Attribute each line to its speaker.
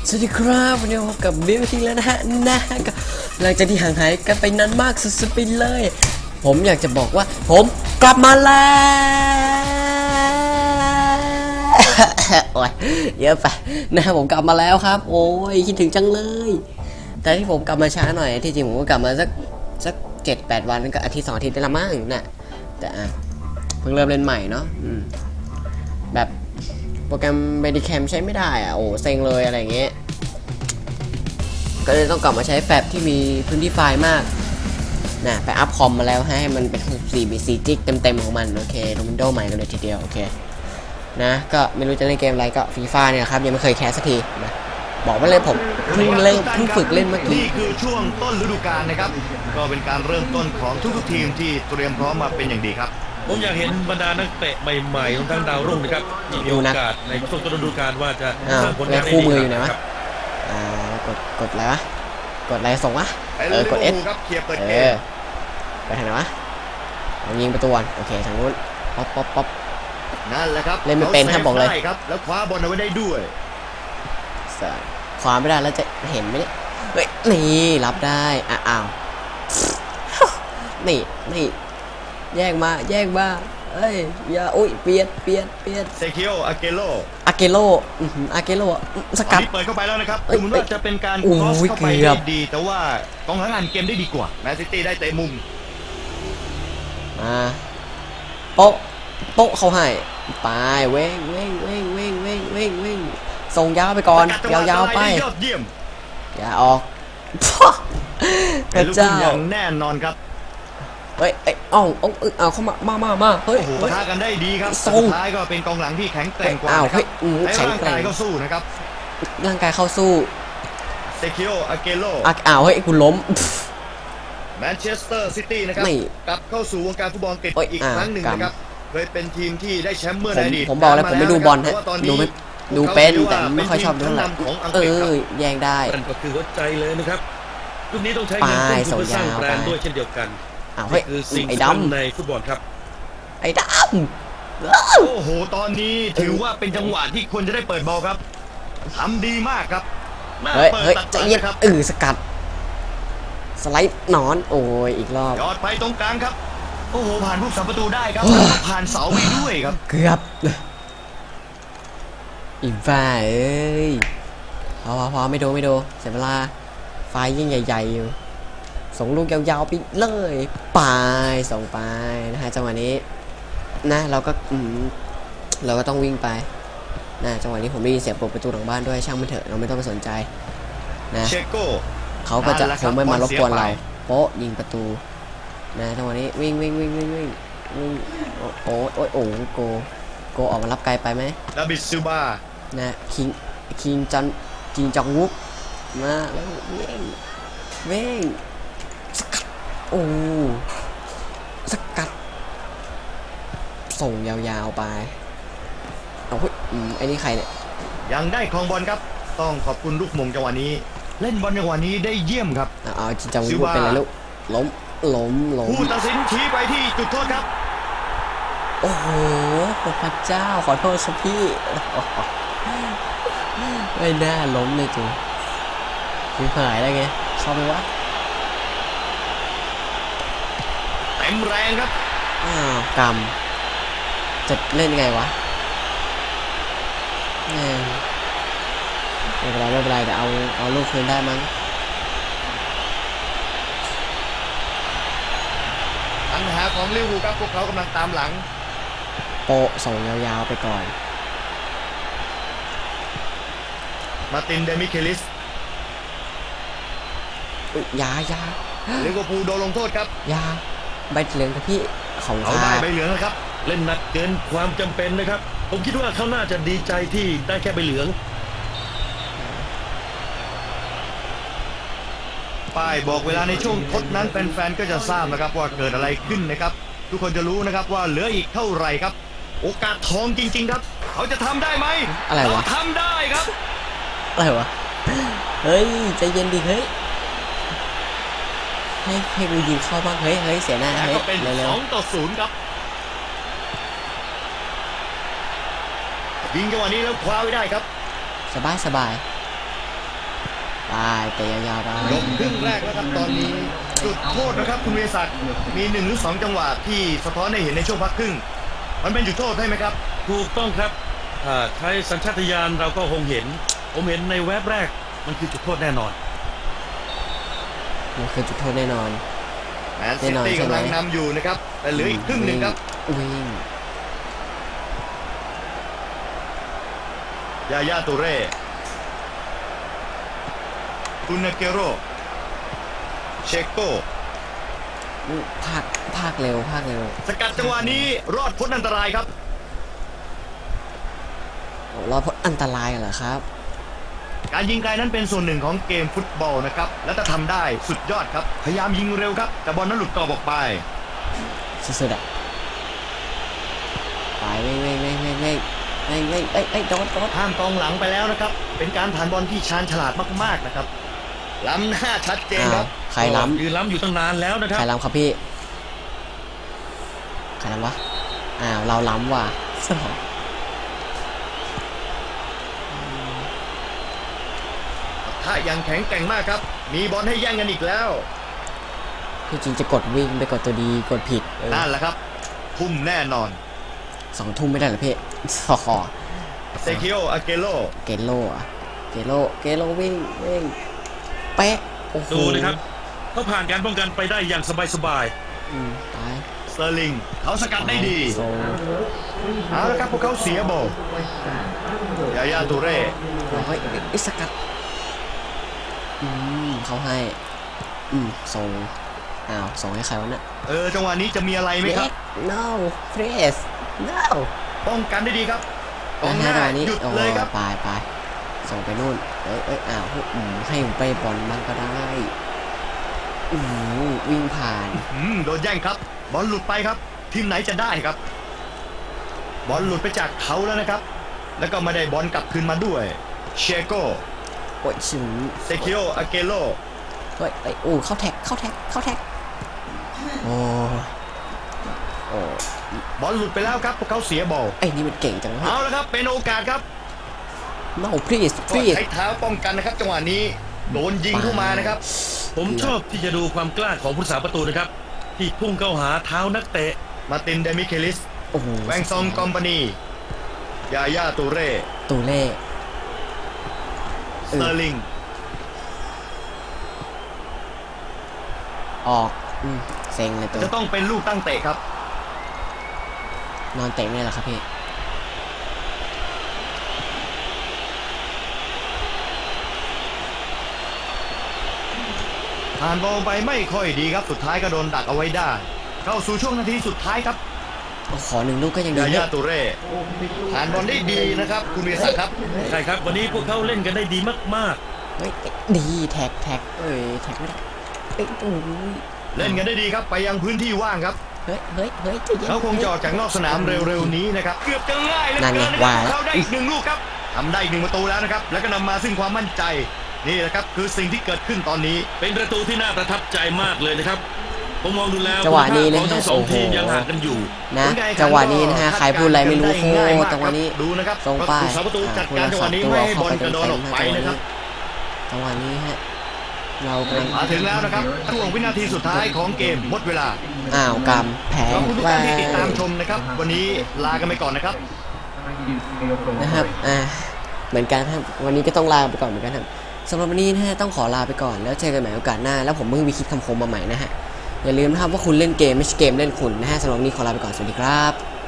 Speaker 1: สวัสดีครับวันนี้พบกับบิวทีแล้วนะฮะหลังจากที่ห่างหายกันไปนานมากสุดๆไปเลยผมอยากจะบอกว่าผมกลับมาแล้วโอ้ยเยอะไปนะผมกลับมาแล้วครับโอ้ยคิดถึงจังเลยแต่ที่ผมกลับมาช้าหน่อยที่จริงผมก็กลับมาสัก7-8 วันก็อาทิตย์2 อาทิตย์ได้ละมั้งนะแต่เพิ่งเริ่มเล่นใหม่เนาะแบบโปรแกรม Bandicam ใช้ไม่ได้โอ้เซ็งเลยอะไรเงี้ยก็เลยต้องกลับมาใช้แฟบที่มีพื้นที่ไฟล์มากนะไปอัพคอมมาแล้วให้มันเป็น64 จิกเต็มของมันโอเคลง Windows ใหม่กันเลยทีเดียวโอเคนะก็ไม่รู้จะเล่นเกมอะไรก็ฟีฟ่าเนี่ยครับยังไม่เคยแคสสักทีนะบอกไว้เลยผมเพิ่งฝึกเล่นเมื่อกี้
Speaker 2: นี่คือช่วงต้นฤดูกาลนะครับก็เป็นการเริ่มต้นของทุกทีมที่เตรียมพร้อมมาเป็นอย่างดีครับ
Speaker 3: ผมอยากเห็นบรรดานักเตะใหม่ๆของทั้งดาวรุ่งนะครับมีโอกาสในช่วงต้นฤดูกาลว่าจะสร้างผลงานได้ดีครับ
Speaker 1: กดอะไรวะกดอะไรส่งวะกด S
Speaker 2: ครับเคลียร์เปิดเกม
Speaker 1: ไปทางไหนวะยิงประตูโอเคทางนู้นป๊อป
Speaker 2: นั่นแหละครับ
Speaker 1: เล่นไม่เป็นถ้าบอกเลย
Speaker 2: ครับแล้วคว้าบอลเอาไว้ได้ด้วย
Speaker 1: คว้าไม่ได้แล้วจะเห็นไหมเนี่ยเฮ้ยนี่รับได้อ้าวนี่แย่งมาเอ้ยอย่าอุ้ยเปลี่ยน
Speaker 2: เซคิโออาเกโล
Speaker 1: สกัด
Speaker 2: เปิดเข้าไปแล้วนะครับดูเหมือนว่าจะเป็นการครอสเข้าไปได้ดีแต่ว่ากองหลังอ่านเกมได้ดีกว่าแมนซิตี้ได้เตะมุม
Speaker 1: โป๊ะเขาให้ไปเว้งส่งยาวไปก่อนยาวไปอย่าออก
Speaker 2: พระเจ้าอย่างแน่นอนครับ
Speaker 1: เฮ้ยเอาเข้ามาเฮ้ย
Speaker 2: ปะทะกันได้ดีครับสุดท้ายก็เป็นกองหลังที่แข็งแกร่งกว่าครับใช้ร่างกายเข้าสู้นะครับ
Speaker 1: ร่างกายเข้าสู้
Speaker 2: เซคิโออาเกโล
Speaker 1: เฮ้ยกูล้ม
Speaker 2: แมนเชสเตอร์ซิตี้นะครับกลับเข้าสู่วงการฟุตบอลอีกครั้งหนึ่งนะครับเคยเป็นทีมที่ได้แชมป์เมื่อในอดีต
Speaker 1: ผมบอกแล้วผมไม่ดูบอลฮะดูเป็นแต่ไม่ค่อยชอบดูเท่าไหร่แย่งได้
Speaker 3: นั่นก็คือหัวใจเลยนะครับรุ่นนี้ต้องใช้เงินทุนเพื่อสร้างแบรนด์ด้วยเช่นเดียวกันคือสิ่งสำคัญในฟุตบอลครับ
Speaker 1: ไอ้ด
Speaker 2: ำโอ้โหตอนนี้ถือว่าเป็นจังหวะที่ควรจะได้เปิดบอลครับทำดีมากครับ
Speaker 1: เฮ้ยใจเย็นสกัดสไลด์หนอนโอ้ยอีกรอบ
Speaker 2: ยอดไปตรงกลางครับโอ้โหผ่านผู้สัมประตูได้ครับผ่านเสาไปด้วยครับ
Speaker 1: เกือบอีบ้าพอไม่ดูเสียเวลาไฟยิ่งใหญ่ๆอยู่ส่งลูกยาวๆไปเลยส่งไปนะฮะจังหวะนี้นะเราก็ต้องวิ่งไปนะจังหวะนี้ผมได้ยินเสียงเปิดประตูหลังบ้านด้วยช่างมันเถอะเราไม่ต้องไปสนใจนะเขาก็จะคงไม่มารบกวนเราโป๊ะยิงประตูนะจังหวะนี้วิ่งโอ้โกออกมารับไกลไปไหม
Speaker 2: ดาบิดซิลบา
Speaker 1: นะคิงจองวุกมาแล้วเว้งสกัดสกัดส่งยาวๆไปไอ้นี่ใครเนี่ย
Speaker 2: ยังได้ครองบอลครับต้องขอบคุณลูกมงจังหวะนี้เล่นบอลจังหวะนี้ได้เยี่ยมครับ
Speaker 1: จริงจังวุกเป็นไรลูกล้ม
Speaker 2: ผู้ตัดสินชี้ไปที่จุดโทษครับ
Speaker 1: โอ้โหพระเจ้าขอโทษครับพี่ไม่น่าล้มเลยจูคือหายได้ไงเข้าไปวะ
Speaker 2: เต็มแรงครับ
Speaker 1: กำจะเล่นไงวะไม่เป็นไรเดี๋ยวเอาลูกคืนได้มั้ง
Speaker 2: ปัญหาของลิเวอร์พูลครับพวกเขากำลังตามหลัง
Speaker 1: โปส่งยาวๆไปก่อน
Speaker 2: มาตินเดมิเคลิส
Speaker 1: ยา
Speaker 2: ลิเวอร์พูลโดนลงโทษครับ
Speaker 1: ยาใบเหลืองกับพี่ของ
Speaker 2: เขาได้ใบเหลืองนะครับ
Speaker 3: เล่นหนักเกินความจำเป็นนะครับผมคิดว่าเขาน่าจะดีใจที่ได้แค่ใบเหลือง
Speaker 2: ป้ายบอกเวลาในช่วงทดนั้นแฟนๆก็จะทราบนะครับว่าเกิดอะไรขึ้นนะครับทุกคนจะรู้นะครับว่าเหลืออีกเท่าไหร่ครับโอกาสทองจริงๆครับเขาจะทำได้ไหม
Speaker 1: อะไรวะ
Speaker 2: ทำได้ครับ
Speaker 1: อะไรวะเฮ้ยใจเย็นดิเฮ้ยให้กูยิงเข้าบ้างเฮ้ยเสียหน้า
Speaker 2: เฮ้ยเป็น2-0ครับยิงจังหวะนี้แล้วคว้าไว้ได้ครับ
Speaker 1: สบายไปเตะยาวๆไป
Speaker 2: จบครึ่งแรกแล้วครับตอนนี้จุดโทษนะครับคุณเวศักดิ์มี1 หรือ 2 จังหวะที่สะท้อนให้เห็นในช่วงพักครึ่งมันเป็นจุดโทษใช่ไหมครับ
Speaker 3: ถูกต้องครับใช้สัญชาตญาณเราก็คงเห็น ผมเห็นในแวบแรกมันคือจุดโทษแน่นอน
Speaker 1: มันคือจุดโทษแน่นอน
Speaker 2: แมนซิตี้กำลังนำอยู่นะครับแต่เหลืออีกครึ่งหนึ่งครับ
Speaker 1: วิ่ง
Speaker 2: ยาย่าตูเร่คุนเกโรเชโก
Speaker 1: ภาคเร็ว
Speaker 2: สกัดจังหวะนี้รอดพ้นอันตรายครับ
Speaker 1: เราพ้นอันตรายเหรอครับ
Speaker 2: การยิงไกลนั้นเป็นส่วนหนึ่งของเกมฟุตบอลนะครับและถ้าทำได้สุดยอดครับพยายามยิงเร็วครับแต่บอลนั้นหลุดกรอบออกไป
Speaker 1: สุดๆอะไปเว้ยโดน
Speaker 2: ห้ามกองหลังไปแล้วนะครับ เป็นการผ่านบอลที่ชาญฉลาดมากๆนะครับ ล้ำหน้าชัดเจนครับ
Speaker 1: ใครล้ำ
Speaker 3: ยืนล้ำอยู่ตั้งนานแล้วนะค
Speaker 1: ใค
Speaker 3: รั
Speaker 1: ร
Speaker 3: บ
Speaker 1: ล้ำครับพี่ใครล้ำวะเราล้ำว่ะ
Speaker 2: ถ้ายังแข็งแกร่งมากครับ มีบอลให้แย่งกันอีกแล้ว
Speaker 1: ที่จริงจะกดวิ่งไปกดตัวดีกดผิด
Speaker 2: นั่นแหละครับ ทุ่มแน่นอน
Speaker 1: 2 ทุ่มไม่ได้เหรอพี่ขอ
Speaker 2: เซคิโออาเกโล
Speaker 1: เกโลวิ่งเป๊ะโอ้โห
Speaker 3: ดูนะครับเขาผ่านการป้องกันไปได้อย่างสบาย
Speaker 1: ตาย
Speaker 2: สเตอร์ลิงเขาสกัดได้ดี
Speaker 1: โซ
Speaker 2: เอาละครับพวกเขาเสียบอลยาย่าตูเร่
Speaker 1: เราก็อิสกัดเขาให้ส่งส่งให้ใครวะเนี่ย
Speaker 2: จังหวะนี้จะมีอะไรไหมครับ
Speaker 1: no please no
Speaker 2: ป้องกันได้ดีครับกองห
Speaker 1: นะ
Speaker 2: น้า
Speaker 1: ฮะตอนนี้
Speaker 2: หยุดเลยครับ
Speaker 1: ไปส่งไปนู่นให้ผมไปบอลบ้างก็ได้วิ่งผ่าน
Speaker 2: โดนแย่งครับ บอลหลุดไปครับ ทีมไหนจะได้ครับ บอลหลุดไปจากเขาแล้วนะครับ แล้วก็ไม่ได้บอลกลับคืนมาด้วย เชโก
Speaker 1: โอ้ยชิม
Speaker 2: เซคิโออาเกโล
Speaker 1: เข้าแท็กโอ้
Speaker 2: บอลหลุดไปแล้วครับพวกเขาเสียบอล
Speaker 1: ไอ้นี่มันเก่งจังเลย
Speaker 2: เอาละครับเป็นโอกาสครับ
Speaker 1: no please
Speaker 2: ก็ใช้เท้าป้องกันนะครับ จังหวะนี้โดนยิงเข้ามานะครับ
Speaker 3: ๆ ผมชอบที่จะดูความกล้าของผู้รักษาประตูนะครับ ที่พุ่งเข้าหาเท้านักเตะ
Speaker 2: มาตินเดมิเคลิส
Speaker 1: โอ้โห
Speaker 2: แวงซองคอมพานียาย่าตูเร่
Speaker 1: ตูเล่
Speaker 2: สเตอร์ลิง
Speaker 1: ออกเซ็งเลยตัว
Speaker 2: จะต้องเป็นลูกตั้งเตะครับ
Speaker 1: นอนเตะไม่ได้หรอครับพี่
Speaker 2: ผ่านบอลไปไม่ค่อยดีครับ สุดท้ายก็โดนดักเอาไว้ได้ เข้าสู่ช่วงนาทีสุดท้ายครับ
Speaker 1: ขอ1 ลูกก็ยังดี
Speaker 2: ยาย่าตูเร่ผ่านบอลได้ดีนะครับคุณวีศักดิ์ครับ
Speaker 3: ใช่ครับ วันนี้พวกเขาเล่นกันได้ดีมาก
Speaker 1: เฮ้ยดีแท็กแท็กไม่ได้โอ้ย
Speaker 2: เล่นกันได้ดีครับไปยังพื้นที่ว่างครับ
Speaker 1: เฮ้ยใจเย็น
Speaker 2: เขาคงจะออกจากนอกสนามเร็วๆนี้นะครับเกือบจะง่ายเหลย
Speaker 1: นั่นไง
Speaker 2: เกินนะค
Speaker 1: ว่า
Speaker 2: รับเขาได้อีก1 ลูกครับทำได้อีก1 ประตูแล้วนะครับแล้วก็นำมาซึ่งความมั่นใจนี่แหละครับคือสิ่งที่เกิดขึ้นตอนนี้
Speaker 3: ๆ เป็นประตูที่น่าประทับใจมากเลยนะครับ ผมมองดูแล้ว
Speaker 1: จังหวะนี้นะ
Speaker 3: ของ
Speaker 1: ฮะ
Speaker 3: ทั้งสอง
Speaker 1: โอ้โห
Speaker 3: ทีมยังห่างกันอยู่
Speaker 1: นะ
Speaker 2: ผลการแข่งขั
Speaker 1: จังหวะนี้นะฮะใครพูดอะไรไม่รู้โค
Speaker 2: ง่ายมาก
Speaker 1: จังหวะนี้
Speaker 2: ครับดูนะครับ
Speaker 1: ส่งป้าย
Speaker 2: ผู้สาประตูจัดการจังหวะนี้ไม่ให้บอลกระโดดออกไปนะครับ
Speaker 1: จังหวะนี้ฮะเรากำลัง
Speaker 2: มาถึงแล้วนะครับช่วงวินาทีสุดท้ายของเกมหมดเวลา
Speaker 1: กำแพ้
Speaker 2: ขอบคุณทุกท่านที่ติดตามชมนะครับ วันนี้ลากันไปก่อนนะครับ
Speaker 1: นะครับเหมือนกันครับวันนี้ก็ต้องลาไปก่อนเหมือนกันครับสำหรับวันนี้นะฮะต้องขอลาไปก่อนแล้วเจอกันใหม่โอกาสหน้าแล้วผมเพิ่งมีคิดคำคมมาใหม่นะฮะอย่าลืมนะครับว่าคุณเล่นเกมไม่ใช่เกมเล่นคุณนะฮะสำหรับวันนี้ขอลาไปก่อนสวัสดีครับ